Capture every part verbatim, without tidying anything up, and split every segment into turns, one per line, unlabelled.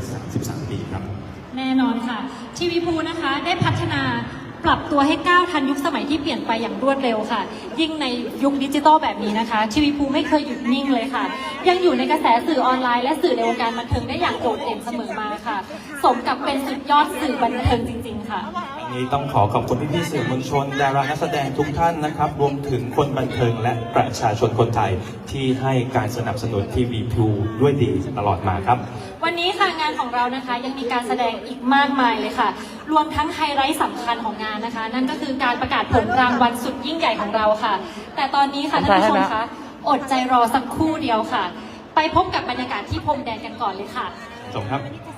สามสิบสามปีครับ
แน่นอนค่ะทีวีพูนะคะได้พัฒนาปรับตัวให้ก้าวทันยุคสมัยที่เปลี่ยนไปอย่างรวดเร็วค่ะยิ่งในยุคดิจิตอลแบบนี้นะคะทีวีพูไม่เคยหยุดนิ่งเลยค่ะยังอยู่ในกระแสสื่อออนไลน์และสื่อในวงการบันเทิงได้อย่างโดดเด่นเสมอมาค่ะสมกับเป็นสุดยอดสื่อบันเทิงจริงๆค่ะ
วันนี้ต้องขอขอบคุณพี่ๆสื่อมวลชนดารานักแสดงทุกท่านนะครับรวมถึงคนบันเทิงและประชาชนคนไทยที่ให้การสนับสนุนทีวีพูด้วยดีตลอดมาครับ
วันนี้ค่ะงานของเรานะคะยังมีการแสดงอีกมากมายเลยค่ะรวมทั้งไฮไลท์สำคัญของงานนะคะนั่นก็คือการประกาศผลรางวัลสุดยิ่งใหญ่ของเราค่ะแต่ตอนนี้ค่ะท่านผู้ชมคะอดใจรอสักครู่เดียวค่ะไปพบกับบรรยากาศที่พรมแดนกันก่อนเลยค่ะ
ชมครับ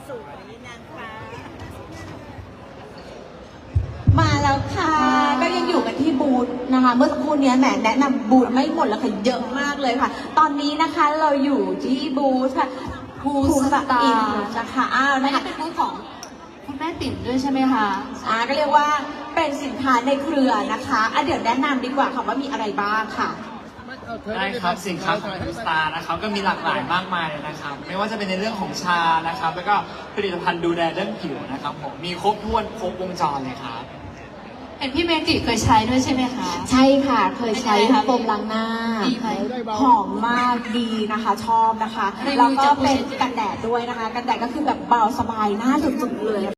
มาแล้วค่ะก็ยังอยู่กันที่บูธนะคะเมื่อสักครู่นี้แหมแนะนำบูธไม่หมดแล้วค่ะเยอะมากเลยค่ะตอนนี้นะคะเราอยู่ที่บูธค่ะภูสตาร์นะคะอ้าวนะคะเป็นบูธของคุณแม่ปิ่นด้วยใช่ไหมคะอ่าก็เรียกว่าเป็นสินค้าในเครือนะคะอ่ะเดี๋ยวแนะนำดีกว่าค่ะว่ามีอะไรบ้างค่ะ
ได้ครับสินค้าของทูสตาร์นะครับก็มีหลากหลายมากมายเลยนะครับไม่ว่าจะเป็นในเรื่องของชานะครับแล้วก็ผลิตภัณฑ์ดูแลเรื่องผิวนะครับผมมีครบถ้วนครบวงจรเลยครับ
เห็นพี่เมจิเคยใช้ด้วยใช่ไหมคะ
ใช่ค่ะเคยใช้โฟมล้างหน้าหอมมากดีนะคะชอบนะคะแล้วก็เป็นกันแดดด้วยนะคะกันแดดก็คือแบบเบาสบายหน้าจุดๆเลย